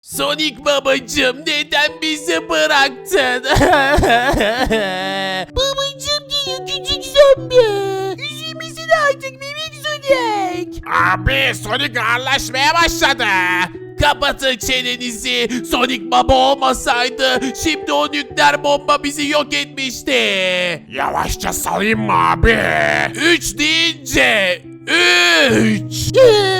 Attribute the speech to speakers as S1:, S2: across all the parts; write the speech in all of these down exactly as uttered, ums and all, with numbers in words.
S1: Sonic babacım neden bizi bıraktın?
S2: Babacım diyor küçük zombi. Üzülmesin artık bebek Sonic.
S1: Abi Sonic ağırlaşmaya başladı. Kapatın çenenizi. Sonic baba olmasaydı şimdi o nükleer bomba bizi yok etmişti. Yavaşça salayım mı abi? Üç deyince. Üç.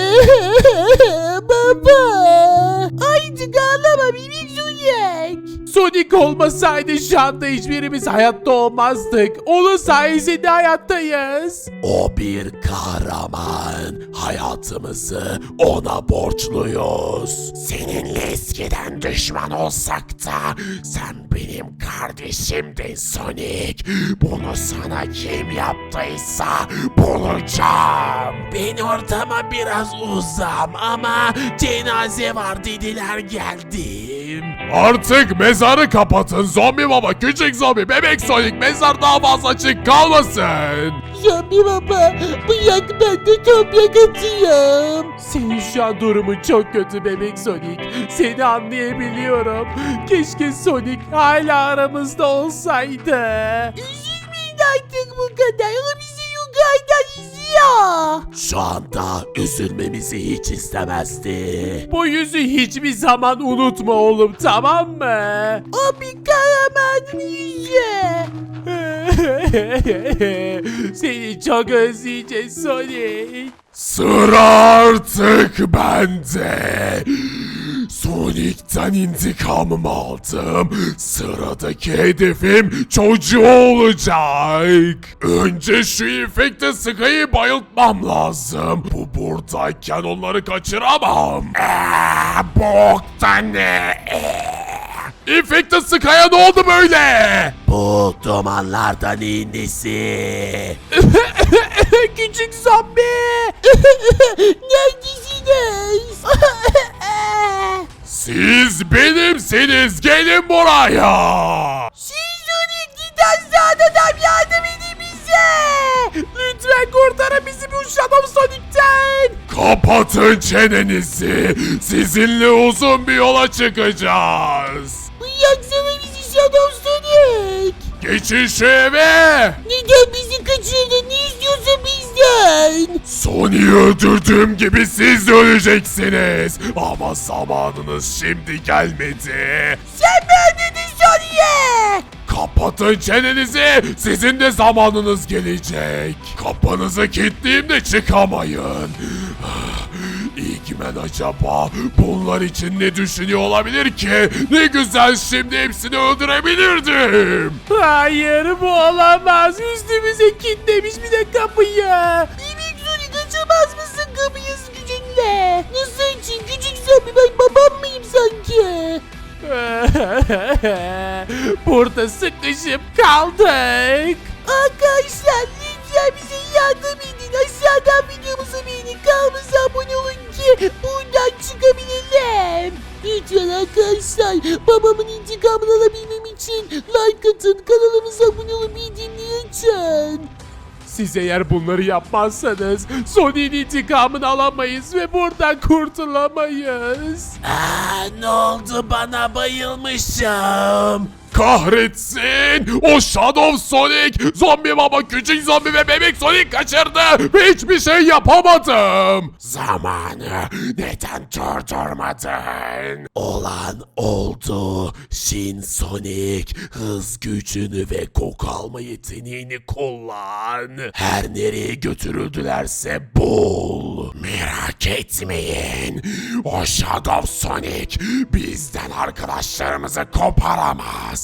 S2: Baba. Artık ağlama bebek Sonic.
S1: Sonic olmasaydı şu anda hiçbirimiz hayatta olmazdık. Onun sayesinde hayattayız. O bir kahraman. Hayatımızı ona borçluyuz. Seninle eskiden düşman olsak da sen benim kardeşimdin Sonic. Bunu sana kim yaptıysa bulacağım. Ben ortama biraz uzam ama cenaze var dediler geldim. Artık mezarı kapatın zombi baba, küçük zombi, bebek Sonic, mezar daha fazla açık kalmasın.
S2: Zombi baba bırak ben de toprak atayım.
S1: Senin şu an durumun çok kötü bebek Sonic. Seni anlayabiliyorum. Keşke Sonic hala aramızda olsaydı.
S2: Üzülmeyin artık bu kadar. O bizi yukarıdan izliyor.
S1: Şu anda üzülmemizi hiç istemezdi. Bu yüzü hiçbir zaman unutma oğlum, tamam mı?
S2: O bir kahramanın yüzü.
S1: Seni çok özleyeceğiz Sonic. Sıra artık bende. Sonic'ten intikamımı aldım. Sıradaki hedefim çocuğu olacak. Önce şu infekte sıkayı bayıltmam lazım. Bu buradayken onları kaçıramam. Eee, boktan ne? İnfekte sıkaya ne oldu böyle? Bu dumanlardan neyin nesi? Küçük zombi.
S2: Neredesiniz?
S1: Siz benimsiniz, gelin buraya.
S2: Siz Sonic git hastaneden yardım edin bize.
S1: Lütfen kurtarın bizi bu Shadow Sonic'ten. Kapatın çenenizi. Sizinle uzun bir yola çıkacağız.
S2: Bıraksana bizi Shadow Sonic.
S1: Geçin şu eve.
S2: Neden bizi kaçırdın? Ne istiyorsun bizden?
S1: Sonic'i öldürdüğüm gibi siz de öleceksiniz. Ama zamanınız şimdi gelmedi.
S2: Sen mi öldürdün Sonic'e?
S1: Kapatın çenenizi. Sizin de zamanınız gelecek. Kapınızı kilitleyeyim çıkamayın. İlgimen acaba bunlar için ne düşünüyor olabilir ki? Ne güzel şimdi hepsini öldürebilirdim. Hayır bu olamaz. Üstümüze kilitlemiş bir de kapıyı.
S2: Bebek Sonic açamaz mısın kapıyı gücünle? Nasıl için küçük zombi ben babam mıyım sanki?
S1: Burada sıkışıp kaldık.
S2: Arkadaşlar lütfen bize yardım edin. Aşağıdan videomuzu beğenin. Kanalımıza abone olun ki buradan çıkabilelim. Lütfen arkadaşlar babamın intikamını alabilmem için like atın. Kanalımıza abone olun, bildirimleri açın.
S1: Siz eğer bunları yapmazsanız Sonic'in intikamını alamayız ve buradan kurtulamayız. Aa, ne oldu bana, bayılmışım. Kahretsin! O Shadow Sonic, zombi baba, küçük zombi ve bebek Sonic kaçırdı ve hiçbir şey yapamadım. Zamanı neden durdurmadın? Olan oldu. Shin Sonic, hız gücünü ve koku alma yeteneğini kullan. Her nereye götürüldülerse bul. Merak etmeyin. O Shadow Sonic bizden arkadaşlarımızı koparamaz.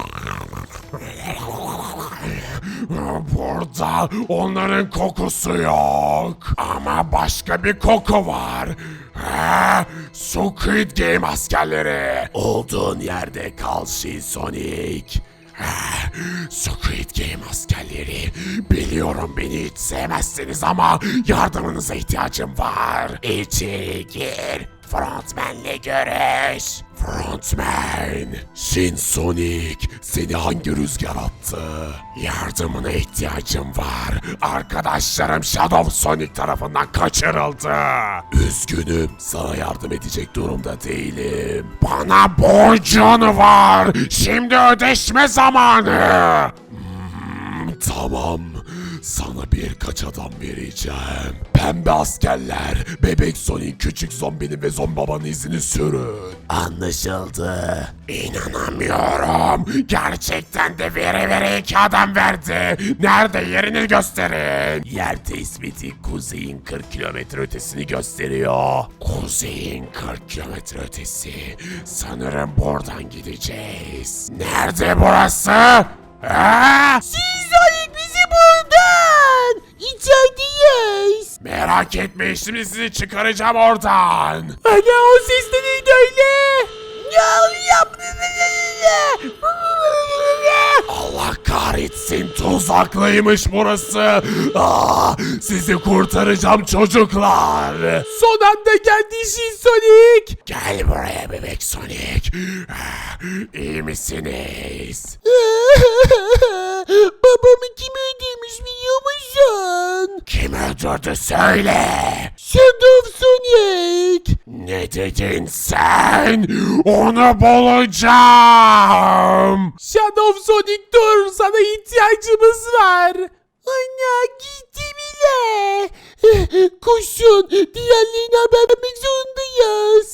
S1: Burada onların kokusu yok. Ama başka bir koku var. Ha, Squid Game askerleri. Olduğun yerde kal Shin Sonic. Ah, Squid Game askerleri, biliyorum beni hiç sevmezsiniz ama yardımınıza ihtiyacım var. İçeri gir. Frontman'le görüş. Front Ant-Man. Shin Sonic, seni hangi rüzgar attı? Yardımına ihtiyacım var. Arkadaşlarım Shadow Sonic tarafından kaçırıldı. Üzgünüm, sana yardım edecek durumda değilim. Bana borcun var. Şimdi ödeşme zamanı. Hmm, tamam. Sana birkaç adam vereceğim. Pembe askerler, bebek Sonic, küçük zombinin ve zombi babanın izini sürün. Anlaşıldı. İnanamıyorum. Gerçekten de vere vere iki adam verdi. Nerede, yerini gösterin. Yer tespiti kuzeyin kırk kilometre ötesini gösteriyor. Kuzeyin kırk kilometre ötesi. Sanırım buradan gideceğiz. Nerede burası? Ha?
S2: Sonic bizi buradan. İçerideyiz.
S1: Merak etmeyin, şimdi sizi çıkaracağım oradan.
S2: Ana, o ses de neydi öyle? Ne oluyor?
S1: Allah kahretsin, tuzaklıymış burası. Aa, sizi kurtaracağım çocuklar.
S2: Son anda geldi Shin Sonic.
S1: Gel buraya bebek Sonic. Ah, İyi misiniz?
S2: Babamı kim öldürmüş biliyor musun?
S1: Kim öldürdü söyle.
S2: Shadow Sonic.
S1: Ne dedin sen? Onu bulacağım.
S2: Shadow Sonic dur, sana ihtiyacımız var. Ana, gitti bile. Koşun, diğerlerine haber vermek zorundayız.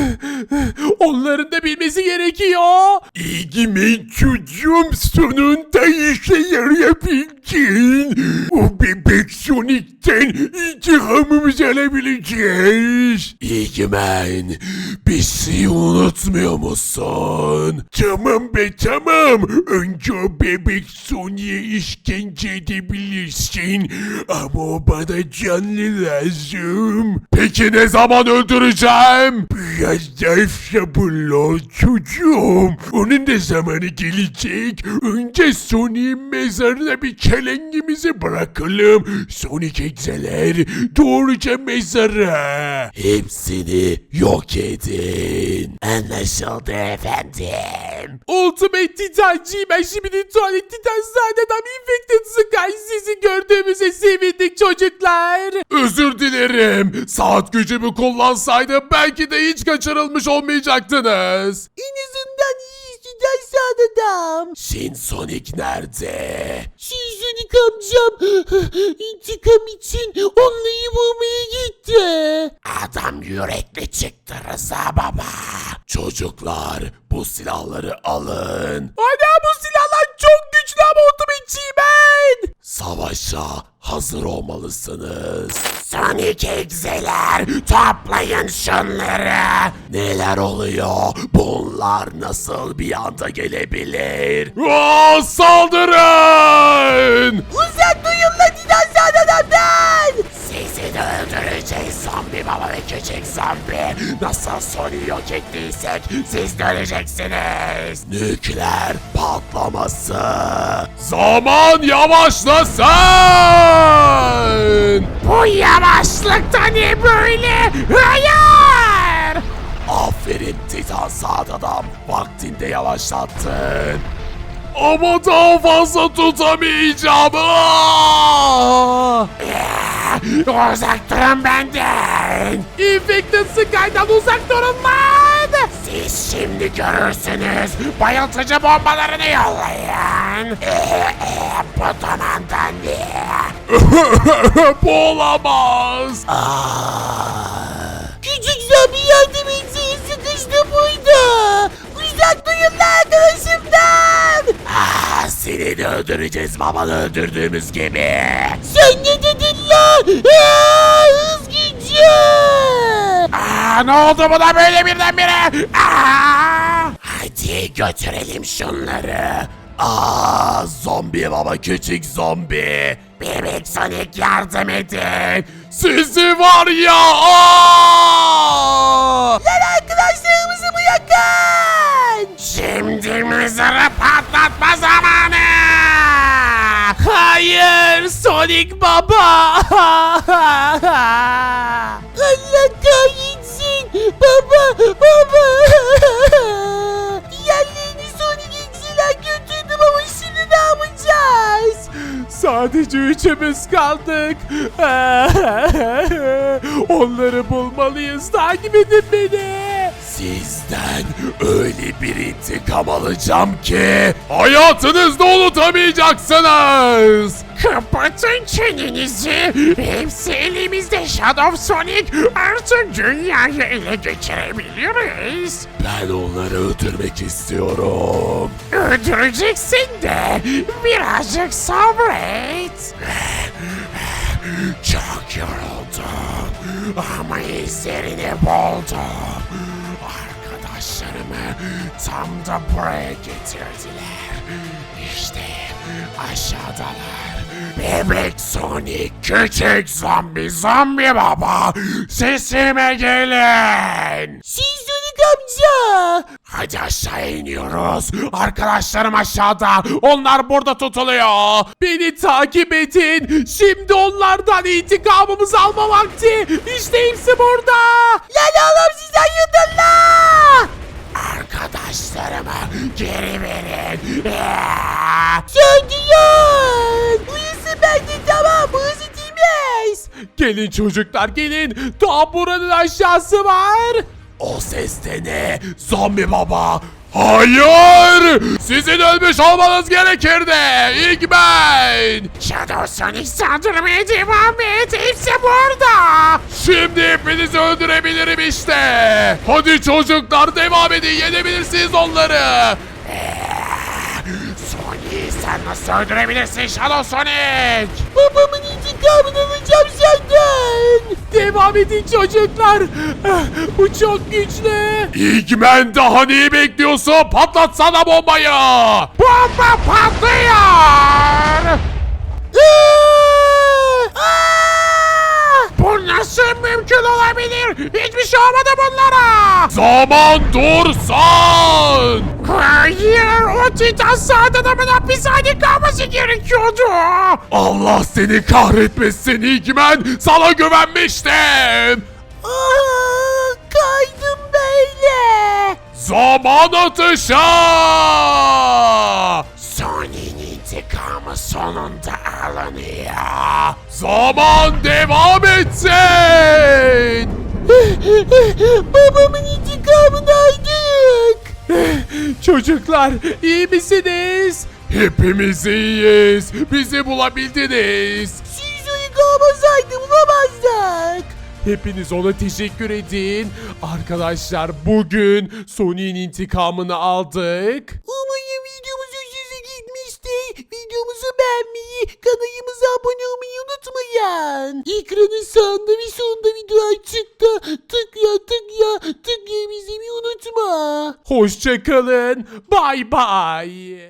S2: Onların da bilmesi gerekiyor.
S1: İlgimin çocuğum, sonunda işe yarayabildin. O bebek Sonic'ten intikamımızı alabileceğiz. İlgimen, bir şey unutmuyor musun? Tamam be tamam. Önce o bebek Sonic'e işkence edebilirsin. Ama o bana canlı lazım. Peki ne zaman öldüreceğim? Biraz daha sabırlı ol çocuğum. Onun da zamanı gelecek. Önce Sonic'in mezarına bir çelengimizi bırakalım. Sonic egzeler doğruca mezara. Hepsini yok edin. Anlaşıldı efendim.
S2: Ultimate Titancıyım, ben şimdi tuvalet titan adam Infected Sky, sizi gördüğümüze sevindik çocuklar.
S1: Özür dilerim. Saat gücümü kullansaydım belki de hiç kaçırılmış olmayacaktınız.
S2: En azından iyi güzel adam.
S1: Shin Sonic nerede?
S2: Shin Sonic amcam intikam için onları vurmaya gitti.
S1: Adam yürekli çıktı Rıza baba. Çocuklar, bu silahları alın.
S2: Ana, bu silahlar çok güçlü ama otomatikçiyim ben.
S1: Savaşa hazır olmalısınız. Sonic egzeler, toplayın şunları. Neler oluyor? Bunlar nasıl bir anda gelebilir? Aa, saldırın!
S2: Uzak duyun lan dinozor adamdan.
S1: Sizi de öldüreceğiz zombi baba ve küçük zombi. Nasıl Sonic'i yok ettiysek siz de öleceksiniz. Nükleer patlaması. Zaman yavaşlasın. Bu yavaşlıkta ne böyle? Hayır. Aferin Titan Saat adam. Vaktinde yavaşlattın. Ama daha fazla tutamayacağım. Aa! Uzak durun benden.
S2: Infected Sky'dan uzak durun lan.
S1: Siz şimdi görürsünüz. Bayıltıcı bombalarını yollayın. Bu dumandan ne? Bu olamaz.
S2: Küçük zombi yardım etsin, sıkıştı burada. Uzak duyun lan arkadaşımdan.
S1: Ah, seni de öldüreceğiz babanı öldürdüğümüz gibi.
S2: Sen ne dedin lan? Aa, hız gücü.
S1: Aa, ne oldu buna böyle birdenbire? Aa! Hadi götürelim şunları. Aa, zombi baba, küçük zombi. Bebek Sonic yardım edin. Sizi var ya. Aa!
S2: Lan arkadaşlarımızı bırakın.
S1: Şimdi mızırı patlatma zamanı.
S2: Hayır Sonic baba. Allah kahretsin. Baba baba.
S3: Sadece üçümüz kaldık. Onları bulmalıyız. Takip edin beni.
S1: Sizden öyle bir intikam alacağım ki hayatınızda unutamayacaksınız. Kapatın çenenizi. Hepsi elimizde Shadow Sonic. Artık dünyayı ele geçirebiliriz. Ben onları öldürmek istiyorum. Öldüreceksin de birazcık sabret. Çok yoruldum ama izlerini buldum. Arkadaşlarımı tam da buraya getirdiler. İşte aşağıdalar. Bebek Sonic, küçük zombi, zombi baba, sesime gelin.
S2: Siz Sonic amca.
S1: Hadi aşağı iniyoruz. Arkadaşlarım aşağıda. Onlar burada tutuluyor.
S3: Beni takip edin. Şimdi onlardan intikamımızı alma vakti. İşte hepsi burada.
S2: Lan oğlum siz ayırdın la.
S1: Arkadaşlarımı geri verin.
S2: Söndürün. Burası bende tamam. Burası temiz.
S3: Gelin çocuklar gelin. Daha buranın aşağısı var.
S1: O ses de ne? Zombi baba. Hayır! Sizin ölmüş olmanız gerekirdi. İlk ben. Shadow Sonic saldırmaya devam et. Hepsi burada. Şimdi hepinizi öldürebilirim işte. Hadi çocuklar devam edin. Yenebilirsiniz onları. Sonic sen nasıl öldürebilirsin Shadow Sonic?
S2: Babamın intikamını alacağım senden.
S3: Devam edin çocuklar. Ah, bu çok güçlü.
S1: İlk ben daha neyi bekliyorsun? Patlatsana bombayı. Bomba patlıyor. Bu nasıl mümkün olabilir? Hiçbir şey olmadı bunlara. Zaman dursun. Hayır, o Titan Saat adamın hapishane kalması gerekiyordu. Allah seni kahretmesin İlkmen. Sana güvenmiştim.
S2: Aa, kaydım böyle.
S1: Zaman atışı! Sony'nin intikamı sonunda alınıyor. Zaman devam etsin!
S2: Babamın intikamını aldık.
S3: Çocuklar iyi misiniz?
S1: Hepimiz iyiyiz. Bizi bulabildiniz.
S2: Siz onu kovmasaydı bulamazdık.
S3: Hepiniz ona teşekkür edin. Arkadaşlar bugün Sony'nin intikamını aldık.
S2: Umarım videomuz hoşunuza gitmiştir. Videomuzu beğenmeyi, kanalımıza abone olmayı unutmayın. Ekranın sağında ve sonunda video açıkta. Tıkla tıkla tıklayabilmeyi unutma.
S3: Hoşçakalın. Bay bay.